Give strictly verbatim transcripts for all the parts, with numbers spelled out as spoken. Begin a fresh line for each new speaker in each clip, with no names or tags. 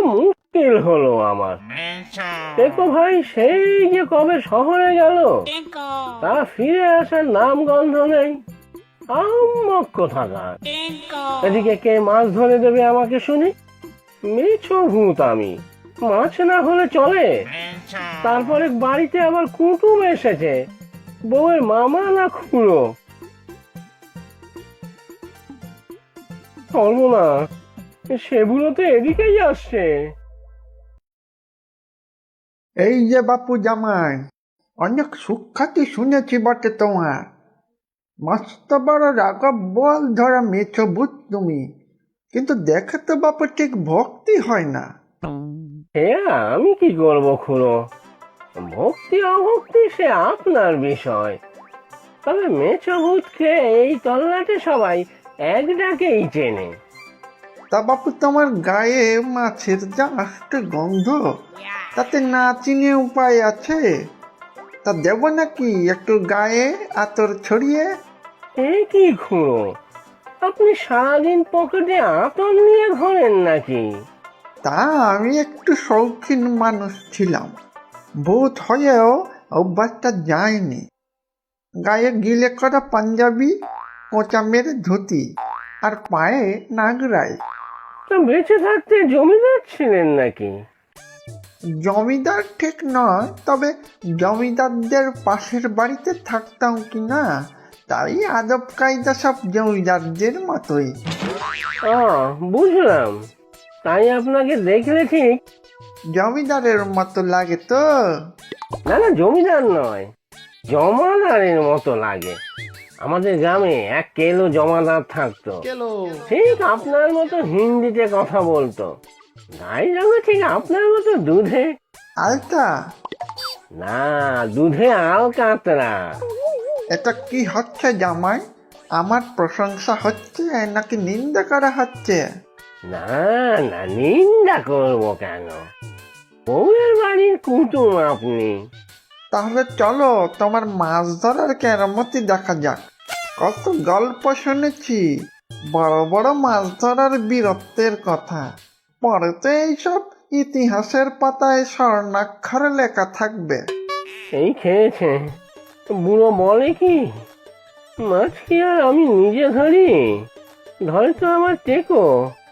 মুশকিল হলো আমার। দেখো ভাই, সেই যে কবে শহরে গেল, তা ফিরে আসার নাম গন্ধ নেই। আম্মক কোথাকার। এদিকে কে মাছ ধরে দেবে আমাকে শুনি? মেছো ভূত আমি, মাছ না হলে চলে। তারপরে বাড়িতে আবার কুটুম এসেছে, বউয়ের মামা না খুড়ো। চলবো না, সেগুলো তো এদিকেই আসছে।
এই যে বাপু জামাই, অনেক সুখ্যাতি শুনেছি বটে তোমার। মস্ত বড় রাঘব বল ধরা মেছো ভূত তুমি, কিন্তু দেখে তো বাপু ঠিক ভক্তি হয় না।
সে আমি কি করবো খুড়ো, ভক্তি অভক্তি সে আপনার বিষয়। তবে মেছো ভূতকে এই তল্লাটে সবাই এক ডাকেই চেনে।
তা বাপু তোমার গায়ে মাছের যা আষ্ট গন্ধ, তাতে না চিনে উপায় আছে? তা দেব নাকি একটু গায়ে আতর ছড়িয়ে?
এ কি খুড়ো, আপনি সারাদিন পকেটে আতর নিয়ে ঘোরেন নাকি?
তা আমি একটু শৌখিন মানুষ ছিলাম, ভূত হয়েও অভ্যাসটা যায়নি। গায়ে গিলে করা পাঞ্জাবি, কোঁচা মেরে ধুতি, আর পায়ে নাগরাই।
তো বেঁচে থাকতে জমিদার ছিলেন নাকি?
জমিদার ঠিক নয়, তবে জমিদারদের পাশের বাড়িতে থাকতাম কি না, তাই আদব কায়দা সব জমিদারদের মতোই।
ও, বুঝলাম। তাই আপনাকে দেখলে ঠিক
জমিদারের মতো লাগে তো?
না না, জমিদার নয়, জমাদারের মতো লাগে। আমাদের গ্রামে এক কেলো জমাদার থাকতো, ঠিক আপনার মতো হিন্দিতে কথা বলতো। গাই রঙে ঠিক আপনার মতো দুধে।
আলতা?
না, দুধে আল কাতরা।
এটা কি হচ্ছে জামাই? আমার প্রশংসা হচ্ছে নাকি নিন্দা করা হচ্ছে?
না না, নিন্দা করবো কেন? বউয়ের বাড়ির কুটুম আপনি।
তাহলে চলো তোমার মাছ ধরার কেরামতি দেখা যাক। কত গল্প শুনেছি বড় বড় মাছ ধরার বীরত্বের কথা, পরে তো এইসব ইতিহাসের পাতায় স্বর্ণাক্ষরে লেখা থাকবে।
এই খেয়েছে, বুড়ো বলে কি, মাছ কি আর আমি নিজে ধরি? ধরে তো আমার টেকো।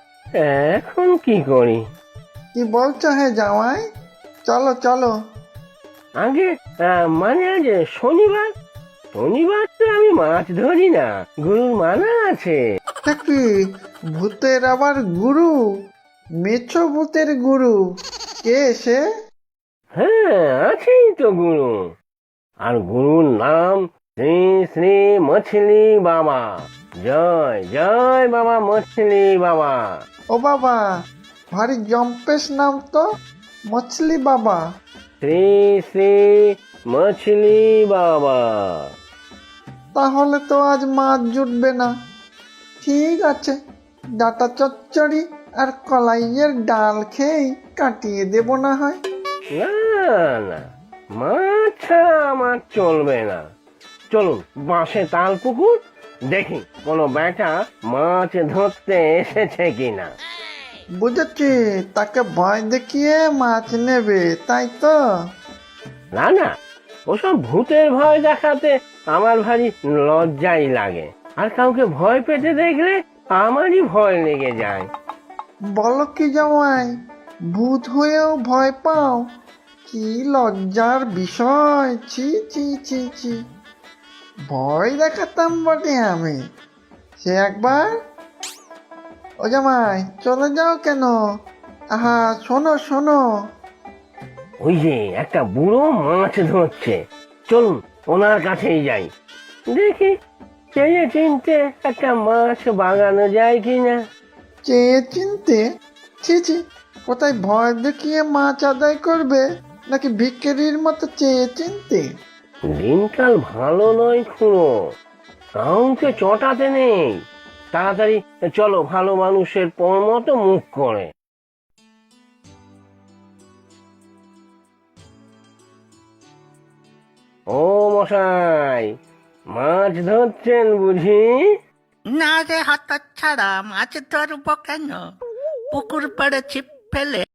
এখন কি করি?
কি বলছো হে জামাই? চলো চলো।
আগে আহ, মানে আজ শনিবার, শনিবার তো আমি মাছ ধরি না, গুরুর মানা আছে।
তা কি, ভূতের আবার গুরু? মেছো ভূতের গুরু কে সে?
হ্যাঁ, আছেই তো গুরু। আর গুরুর নাম শ্রী শ্রী মছলি বাবা। জয় জয় বাবা মছলি বাবা।
ও বাবা, ভারী জম্পেশ নাম তো, মছলি বাবা।
শ্রী শ্রী মছলি বাবা।
তাহলে তো আজ মাছ জুটবে না। ঠিক আছে, ডাটা চচ্চড়ি আর কলাইয়ের ডাল খেয়েই কাটিয়ে দেব না হয়।
না না, মাছ ছাড়া আমার চলবে না। চলুন বাঁশে তাল পুকুর, দেখি কোনো বেটা মাছ ধরতে এসেছে কিনা।
বুঝেছি, তাকে ভয় দেখিয়ে মাছ নেবে, তাই তো?
না না, ওসব ভূতের ভয় দেখাতে আমার ভারী লজ্জাই লাগে। আর কাউকে ভয় পেতে দেখলে আমারই ভয় লেগে যায়।
বলো কি জামাই, ভূত হয়েও ভয় পাও? কি লজ্জার বিষয়! ছি ছি ছি ছি। ভয় দেখাতাম বটে আমি, সে একবার। ও জামাই, চলে যাও কেন? আহা, শোনো শোনো।
ওই যে একটা বুড়ো মাছ ধরছে, চলুন ওনার কাছেই যাই, দেখি চেয়ে চিনতে একটা মাছ বাগানো যায় কিনা।
চেয়ে চিনতে? ছি ছি, কোথায় ভয় দেখিয়ে মাছ আদায় করবে, নাকি ভিখারির মতো চেয়ে চিনতে?
দিনকাল ভালো নয় খুড়ো, কাউকে চটাতে নেই। তাড়াতাড়ি চলো, ভালো মানুষের পর মতো মুখ করে। ও মশাই, মাছ ধরছেন বুঝি?
না রে হতচ্ছাড়া, মাছ ধরবো কেন? পুকুর পাড়ে ছিপ ফেলে